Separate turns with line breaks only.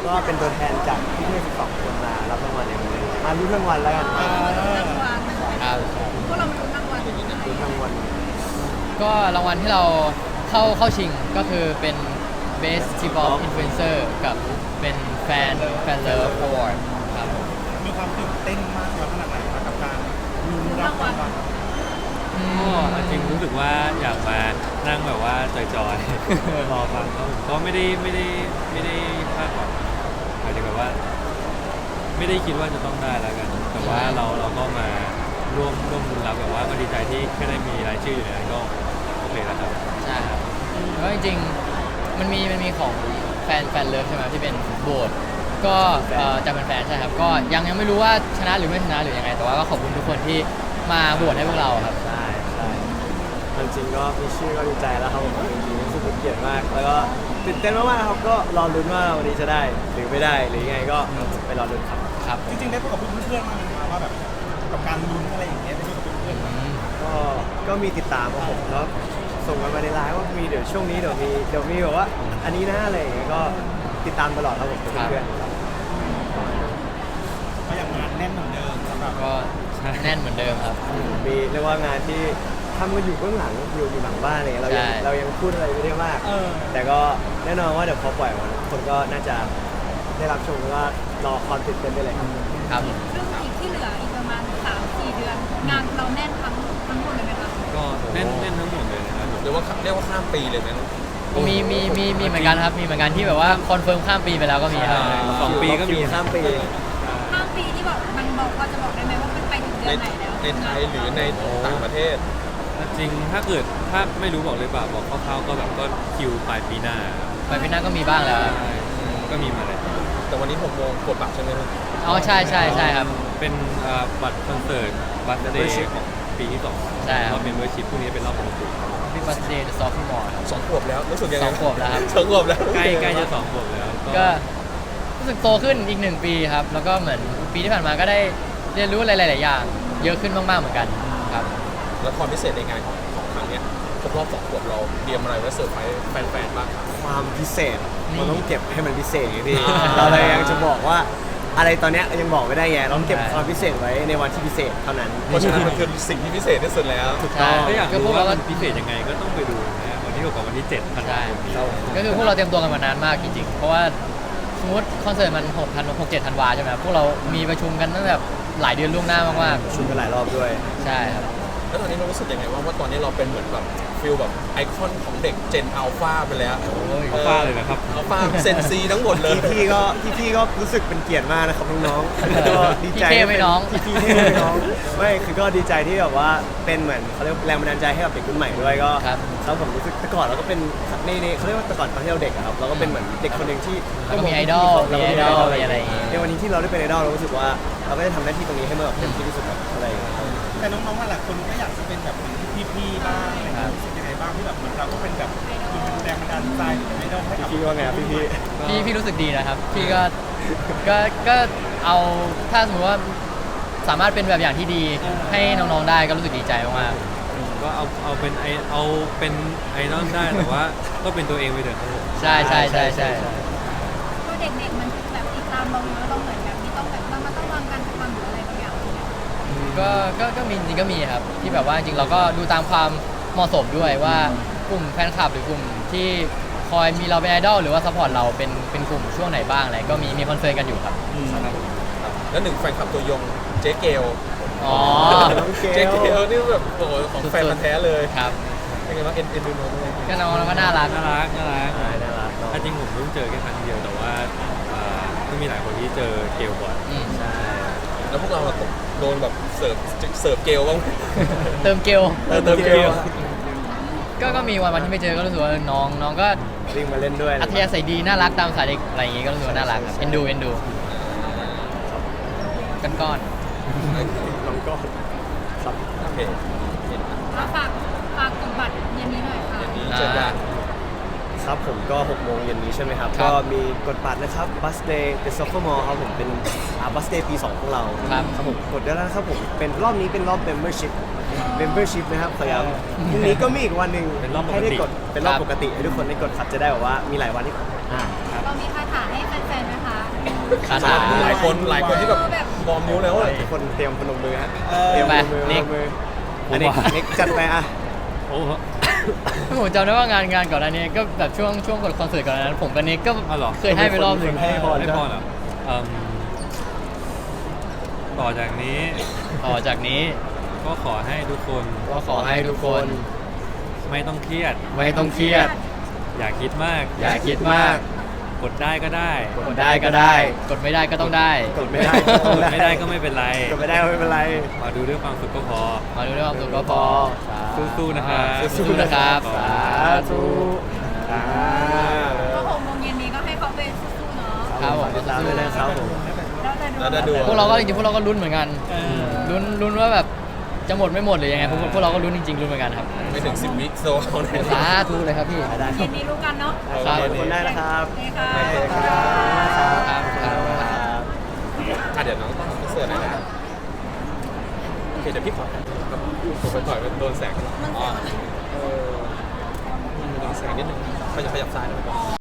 ก็เป็นตัวแทนจากพี่ๆ12คนมารับรางวัลในวันนี้มาลุ้นรางวัลแล้วกัน
รางวัล
ครับ
พวกเรามาลุ้นรางวัล
ลุ้นรางวัล
ก็รางวัลที่เราเข้าชิงก็คือเป็น Best T-pop Influencer กับเป็นFan Love Award ครับ
มีความตื่นเต้นมากน้อยขนาดไหนครับกับการลุ้นรับรางวัล
ก็จริงรู้สึกว่าอยากมานั่งแบบว่าจอยๆ รอฟังก็ผมก็ไม่ได้คาดหวังหมายถึงแบบว่า ไม่ได้คิดว่าจะต้องได้แล้วกัน แต่ว่าเราก็มาร่วมรุ้นรับแบบว่าก็ดีใจที่แค่ได้มีรายชื่ออยู่ในนั้นก็โอเคแล้วครับ
ใช่ครับแล้วจริงๆมันมีของแฟนเลิฟใช่ไหมที่เป็นโหวตก็จะเป็นแฟนใช่ครับก็ยังไม่รู้ว่าชนะหรือไม่ชนะหรือยังไง แต่ว่าก็ขอบคุณทุกคนที่มาโหวตให้พวกเราครับ
ใช่จริงๆก็มีชื่อก็ดีใจแล้วครับผมจริงๆรู้สึกเป็นเกียรติมาก แล้วก็ตื่นเต้นมากๆครับก็รอลุ้นว่าวันนี้จะได้หรือไม่ได้หรือยังไงก็ไปรอลุ้นครับ
ครับ
จริงๆได้พูดกับเพื่อนๆมาไหมครับว่าแบบกับการลุ้นอะไรอย่างเงี้ยได้พูดกับเพื่อนๆ
ก็มีติดตามครับผมแล้วส่งกันมาในไลน์ว่ามีเดี๋ยวช่วงนี้เดี๋ยวมีแบบว่าอันนี้นะอะไรอย่างเงี้ยก็ติดตามตลอดครับผมกับเพื่อนๆครับ
ก็ยังงานแน่นเหมือนเดิมสำหรับ
ก็แน่นเหมือนเดิมครับ
มีเรียกว่างานที่ทำกันอยู่เบื้องหลังอยู่หลังบ้านอะไรเงี้ยเรายัง
ใช่
เรายังพูดอะไรไม่ได้มาก แต่ก็แน่นอนว่าเดี๋ยวพอปล่อยมันคนก็น่าจะได้รับชมแล้วก็รอความตื่นเต้นได้เลยครับ
ครับ
ซึ่งอีกที่เหลืออีกประมาณ 3-4 เดือน งานเราแน่นทั้งหมดเลยไหมคะ
ก็แน่นทั้งหมดเลยนะครับ
หรือว่าเรียกว่าข้ามปีเลยไหม
มีเหมือนกันครับมีเหมือนกันที่แบบว่าคอนเฟิร์มข้ามปีไปแล้วก็มีครับ
2 ปีก็มี
ข้ามปี
ข้ามปีที่บอกมันบอกพอจะบอกได้ไหมว่ามันไปถึงเดื
ใน
อนไหนแล้ว
ในไทยหรือในต่างประเทศ
จริงถ้าไม่รู้บอกเลยเปล่าบอกคร่าวๆก็แบบก็คิวปลายปีหน้า
ไปปีหน้าก็มีบ้างแล้วครับ
ใช่ก็มีมาเลย
แต่วันนี้6 โมงกดบัตรใช่ไหมครับ
อ๋อใช่ครับ
เป็นบัตรคอนเสิร์ตบัตรเดย์ของปีที่2
ใช่ครับ
รอบเมมเบอร์ชิพพรุ่งนี้เป็นรอบปกติ
พี่บัสเดย์จะซอฟต์มอร์ครับ
2 ขวบแล้วรู้สึกยังไง
2 ขวบแล้วครับ
2 ขวบแล้ว
ใกล้จะ2 ขวบแล้ว
ก็รู้สึกโตขึ้นอีก1 ปีครับ แล้วก็เหมือนปีที่ผ่านมาก็ได้เรียนรู้อะไรหลายๆอย่าง เยอะขึ้นมากๆเหมือนกันครับ
แล้วความพิเศษในงานของครั้งเนี้ยครบรอบ2 ขวบเราเตรียมอะไรไว้เซอร์ไพรส์แฟนๆบ้างครับ
ความพิเศษ
นี่
มันต้องเก็บให้มันพิเศษไงพี่
อ่า
เราเลยยังจะบอกว่าอะไรตอนเนี้ยยังบอกไม่ได้ไงต้องเก็บ
ใช่
ความพิเศษไว้ในวันที่พิเศษเท่านั้น
เพราะฉะนั้นมันคือสิ่งที่พิเศษที่สุดแล้ว
ใช่
ถ้าอยาก
ก็พ
รู้
วกเรา
ว่า
ก็
มันพิเศษยังไงก็ต้องไปดูนะวันที่6กับวันที่7ธันวา
ใช่
คมนี้
ก็คือพวกเราเตรียมตัวกันมานานมากจริงๆ เพราะว่าสมมติคอนเสิร์ตมัน6-7 ธันวาใช่ไหมครับพวกเรามีประชุมกันตั้งแต่หลายเดือนล่วงหน้ามาก
ชุมกันหลายรอบด้วย
ๆ ใช่ครับ
แล้วตอนนี้เรารู้สึกยังไงว่าตอนนี้เราเป็นเหมือนแบบฟิลแบบไอคอนของเด็กเจนอัลฟาไปแล้ว
อัลฟาเลยนะครับ
อัลฟาเซนซีทั้งหมดเลย
พี่ก็รู้สึกเป็นเกียรติมากนะครับน้องๆก็ดีใจ
พี่เท่ไหมน้อง
พี่เท่ไหมน้องไม่คือก็ดีใจที่แบบว่าเป็นเหมือนเขาเรียกแรงบันดาลใจให้กับเด็กรุ่นใหม่ด้วยก็
ครับ
แล้วผมรู้สึกแต่ก่อนเราก็เป็นในเขาเรียกว่าแต่ก่อนตอนที่เราเด็กอะครับเราก็เป็นเหมือนเด็กคนหนึ่งที่
แล้วก็มีไอดอล
เราก็
มี
มี
ไอ
ไอ
ด
ด
อ
อ
ล
ล
มีอะไรอย่างงี้
ในวันนี้ที่เราได้เป็นไอดอลเรารู้สึกว่าเราก็ได้ทำหน้าที่ตรงนี้ให้มันแบบเต็มที่ที่สุดแบบอะไรอย่างเงี้ยครับ
แต่น้องๆหลายคนก็อยากจะเป็นแบบเหมือนพี่ๆบ้างอะไรอย่างเงี้ยรู้สึกยังไงบ้างที่แบบเหมือนเราก็เป็นแบบเป็นแรงบันดาลใจหรือไม่ต้องให้กับ
พี่ว่าไงครับพี่
พี่รู้สึกดีนะครับ พี่ก็เอาถ้าสมมติว่าสามารถเป็นแบบอย่างที่ดีให้น้องๆได้ก็รู้สึกดีใจมาก
ก็เอาเป็นไอดอลได้แต่ว่าก็เป็นตัวเองไปเถอะครับผม
ๆ ใช่ใช่ใช่ใช่
ก็เด็กๆมันแบบติดตามเราเยอะเราเหมือนแบบที่ต้องแบบมันต้องวางการกระทำหรืออะไรบางอย่างเนี่ย
ก็มีจริงก็มีครับที่แบบว่าจริงเราก็ดูตามความเหมาะสมด้วยว่ากลุ่มแฟนคลับหรือกลุ่มที่คอยมีเราเป็นไอดอลหรือว่าซัพพอร์ตเราเป็นกลุ่มช่วงไหนบ้างอะไรก็มีคอนเฟิร์มกันอยู่ครับ
แล้วหนึ่งแฟนคลับตัวยงเจ๊เกล
อ๋อ
น้องเก
เจ๊
ล
เกลนี่แบบโอ้โหของแฟนพันธุ์แท้เลย
ครับ
เป็นไงบ้างเอ็นดูน้องเลย
ก็น้องเราก็น่ารัก
น่ารัก
ใช่น่ารักเนอะ
จริงผมเพิ่งเจอแค่ครั้งเดียวแต่ว่าก็มีหลายคนที่เจอเกลบ่อย
อืม
ใช่
แล้วพวกเราโดนแบบเสิร์ฟเกลบ้างไหม
เติมเกล
เติมเกล
ก็มีวันที่ไม่เจอก็รู้สึกว่าน้องก็
วิ่งมาเล่นด้วย
อัธยาศัยดีน่ารักตามสายเด็กอะไรอย่างงี้ก็รู้สึกว่าน่ารักครับเอ็นดูก้อน
น้องก็ครับ
โอเค
แล้วฝากกดบัตรเย็นนี้หน่อยค่ะ
นี่เจอกัน
ครับผมก็6 โมงเย็นนี้ใช่ไหมครับ ก็มีกดบัตรนะครับ Bus Day The Sophomore ครับผมเป็นBus Day ปี 2 ของเรา
ครับ
ครับผมกดได้แล้วนะครับผมเป็นรอบนี้เป็นรอบ Membership
ค
membership นะครับขอย้ำพรุ่งนี้ก็มีอีกวันหนึ่ง
เป็นรอบปกติ
ให้ได้กดเป็นรอบปกติให้ทุกคนได้กดครับจะได้แบบว่ามีหลายวันที่อ่า
เรามีคาถาให้แฟนๆไหมคะ
คาถา
หลายคนที่แบบบอมนิ้วแล้วอะ
ทุกคนเตรียมพนมมือฮะ
เตรียมไป
พนม
นิก
มืออันนี้นิกจัดไปอ่ะ
โอ้โห
ผมจำได้ว่างานก่อนหน้านี้ก็แบบช่วงกดคอนเสิร์ตก่อนหน้านั้นผมกับนิกก็
อ้าวเหรอ
เคยให้ไปรอบหนึ่ง
ให้พร
ไม่พอเหรอต่อจากนี้
ต่อจากนี้
ก็ขอให้ทุกคน
ก็ขอให้ทุกคน
ไม่ต้องเครียด
ไม่ต้องเครียด
อย่าคิดมาก
อย่าคิดมาก
กดได้ก็ได้
กดได้ก็ได้ กดไม่ได้ก็ต้องได้
กดไม่ได้
กดไม่ได้ก็ไม่เป็นไร
กดไม่ได้ก็ไม่เป็นไร
มาดูด้วยความสุขก็พอ
มาดูด้วยความสุขก็พอ
สู้ๆนะครับ
สู้ๆนะครับ
ขอบ
สา
สาธุ
ธุ
อ่า
ก็6 โมงเย็นนี้ก็ให้เขาไปสู้ๆเนาะ
ครับผม
ติดตามด้วยนะครับผม
เราจะดู
แล้วจะดู
พวกเราก็จริงๆพวกเราก็ลุ้นเหมือนกันลุ้นว่าแบบจะหมดไม่หมดหรือยังไงพวกเราก็ลุ้นจริงๆลุ้นเหมือนกันครับ
ไม่ถึง10 วิโซน
สาธุเลยครับพี่
ได้ค
เย็
รับ
นนี้รู้กันเนาะ
ครับ
ทุกคนได้นะครับ
โอเคค่ะ
โอเคครับ
ครับครับ
เดี๋ยวน้องต้องเสิร์ฟหน่อยนะโอเคเดี๋ยวพี่ขอผมไปต่อยมันโดนแสงอ๋อโดนแสงนิดนึงขยับซ้ายหน่อย